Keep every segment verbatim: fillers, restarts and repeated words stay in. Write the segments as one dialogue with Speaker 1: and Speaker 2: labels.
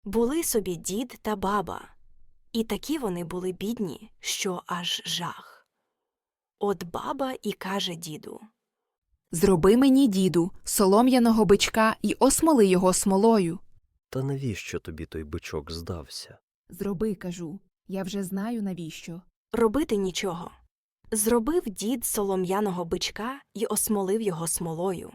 Speaker 1: Були собі дід та баба, і такі вони були бідні, що аж жах. От баба і каже діду:
Speaker 2: Зроби мені, діду, солом'яного бичка і осмоли його смолою.
Speaker 3: Та навіщо тобі той бичок здався?
Speaker 2: Зроби, кажу, я вже знаю навіщо.
Speaker 1: робити нічого. Зробив дід солом'яного бичка і осмолив його смолою.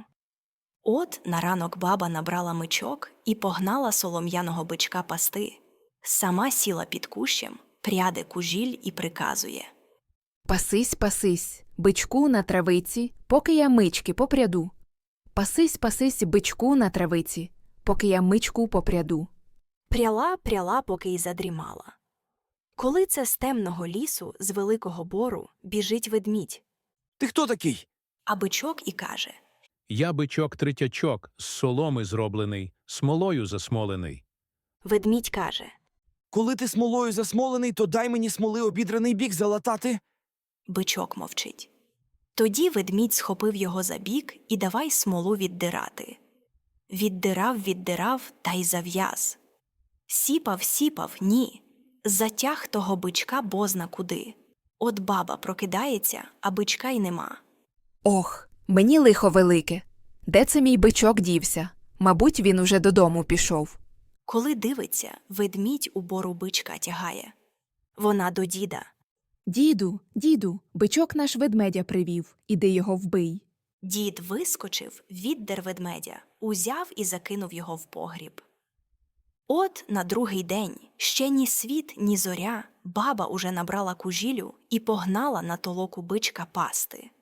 Speaker 1: От на ранок баба набрала мичок і погнала солом'яного бичка пасти. Сама сіла під кущем, пряде кужіль і приказує:
Speaker 2: Пасись, пасись, бичку на травиці, поки я мички попряду. Пасись, пасись, бичку на травиці, поки я мичку попряду.
Speaker 1: Пряла, пряла, поки й задрімала. Коли це з темного лісу, з великого бору, біжить ведмідь,
Speaker 4: Ти хто такий?
Speaker 1: а бичок і каже:
Speaker 5: Я бичок-третячок, з соломи зроблений, смолою засмолений.
Speaker 1: ведмідь каже:
Speaker 4: Коли ти смолою засмолений, то дай мені смоли обідраний бік залатати.
Speaker 1: Бичок мовчить. Тоді ведмідь схопив його за бік і давай смолу віддирати. Віддирав, віддирав, та й зав'яз. Сіпав, сіпав, ні. Затяг того бичка бозна куди. От баба прокидається, а бичка й нема.
Speaker 2: Ох, мені лихо велике. Де це мій бичок дівся? Мабуть, він уже додому пішов.
Speaker 1: Коли дивиться, ведмідь у бору бичка тягає. Вона до діда.
Speaker 2: Діду, діду, бичок наш ведмедя привів, іди його вбий.
Speaker 1: Дід вискочив, віддер ведмедя, узяв і закинув його в погріб. От на другий день, ще ні світ, ні зоря, баба уже набрала кужілю і погнала на толоку бичка пасти.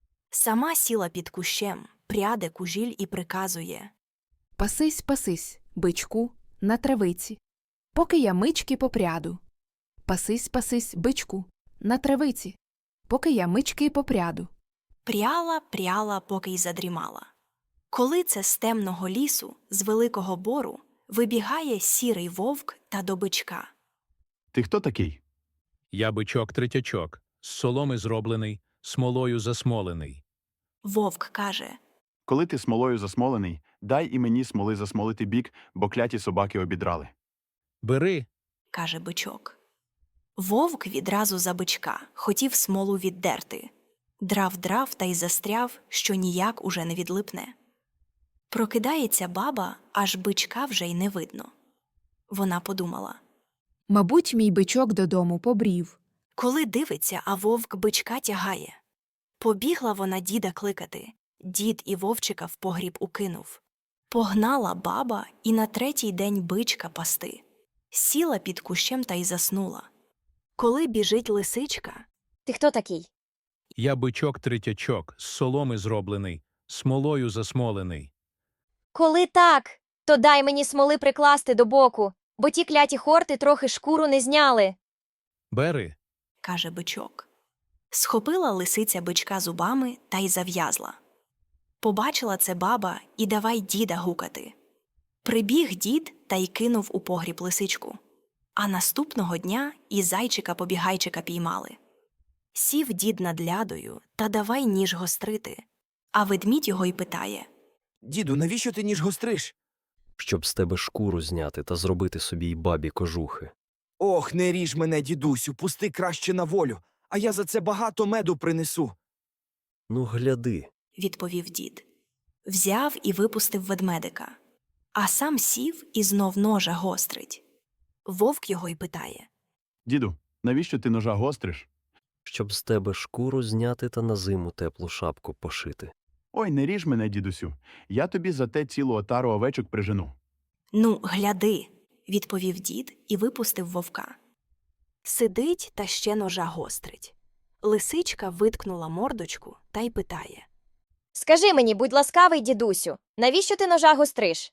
Speaker 1: Сама сіла під кущем, пряде кужіль і приказує:
Speaker 2: Пасись, пасись, бичку, на травиці, поки я мички попряду. Пасись, пасись, бичку, на травиці, поки я мички попряду.
Speaker 1: Пряла, пряла, поки й задрімала. Коли це з темного лісу, з великого бору, вибігає сірий вовк та до бичка.
Speaker 6: Ти хто такий?
Speaker 5: Я бичок-третячок, з соломи зроблений, смолою засмолений.
Speaker 1: Вовк каже:
Speaker 6: Коли ти смолою засмолений, дай і мені смоли засмолити бік, бо кляті собаки обідрали.
Speaker 5: Бери,
Speaker 1: каже бичок. Вовк відразу за бичка, хотів смолу віддерти. Драв-драв та й застряв, що ніяк уже не відлипне. Прокидається баба, аж бичка вже й не видно. Вона подумала.
Speaker 2: Мабуть, мій бичок додому побрів.
Speaker 1: Коли дивиться, а вовк бичка тягає. Побігла вона діда кликати. Дід і вовчика в погріб укинув. Погнала баба і на третій день бичка пасти. Сіла під кущем та й заснула. Коли біжить лисичка,
Speaker 7: Ти хто такий?
Speaker 5: я бичок-третячок, з соломи зроблений, смолою засмолений.
Speaker 7: Коли так, то дай мені смоли прикласти до боку, бо ті кляті хорти трохи шкуру не зняли.
Speaker 5: Бери,
Speaker 1: каже бичок. Схопила лисиця бичка зубами та й зав'язла. Побачила це баба і давай діда гукати. Прибіг дід та й кинув у погріб лисичку. А наступного дня і зайчика-побігайчика піймали. Сів дід над лядою та давай ніж гострити. А ведмідь його й питає:
Speaker 4: Діду, навіщо ти ніж гостриш?
Speaker 3: Щоб з тебе шкуру зняти та зробити собі й бабі кожухи.
Speaker 4: Ох, не ріж мене, дідусю, пусти краще на волю, а я за це багато меду принесу.
Speaker 3: Ну, гляди,
Speaker 1: відповів дід. Взяв і випустив ведмедика. А сам сів і знов ножа гострить. Вовк його й питає:
Speaker 6: Діду, навіщо ти ножа гостриш?
Speaker 3: щоб з тебе шкуру зняти та на зиму теплу шапку пошити.
Speaker 6: Ой, не ріж мене, дідусю, я тобі за те цілу отару овечок прижену.
Speaker 1: Ну, гляди, відповів дід і випустив вовка. Сидить та ще ножа гострить. Лисичка виткнула мордочку та й питає:
Speaker 7: Скажи мені, будь ласкавий, дідусю, навіщо ти ножа гостриш?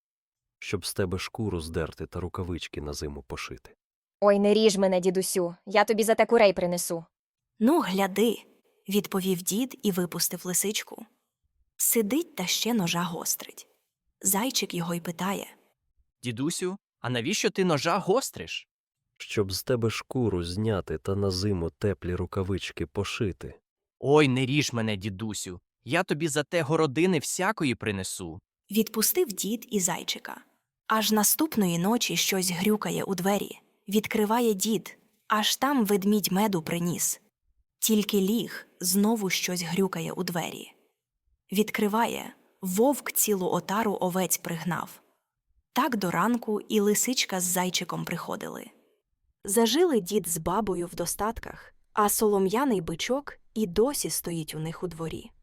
Speaker 3: Щоб з тебе шкуру здерти та рукавички на зиму пошити.
Speaker 7: Ой, не ріж мене, дідусю, я тобі за те курей принесу.
Speaker 1: Ну, гляди, відповів дід і випустив лисичку. Сидить та ще ножа гострить. Зайчик його й питає:
Speaker 8: Дідусю, а навіщо ти ножа гостриш?
Speaker 3: Щоб з тебе шкуру зняти та на зиму теплі рукавички пошити.
Speaker 8: Ой, не ріж мене, дідусю, я тобі за те городини всякої принесу.
Speaker 1: Відпустив дід і зайчика. Аж наступної ночі щось грюкає у двері. Відкриває дід, аж там ведмідь меду приніс. Тільки ліг, знову щось грюкає у двері. Відкриває, вовк цілу отару овець пригнав. Так до ранку і лисичка з зайчиком приходили. Зажили дід з бабою в достатках, а солом'яний бичок і досі стоїть у них у дворі.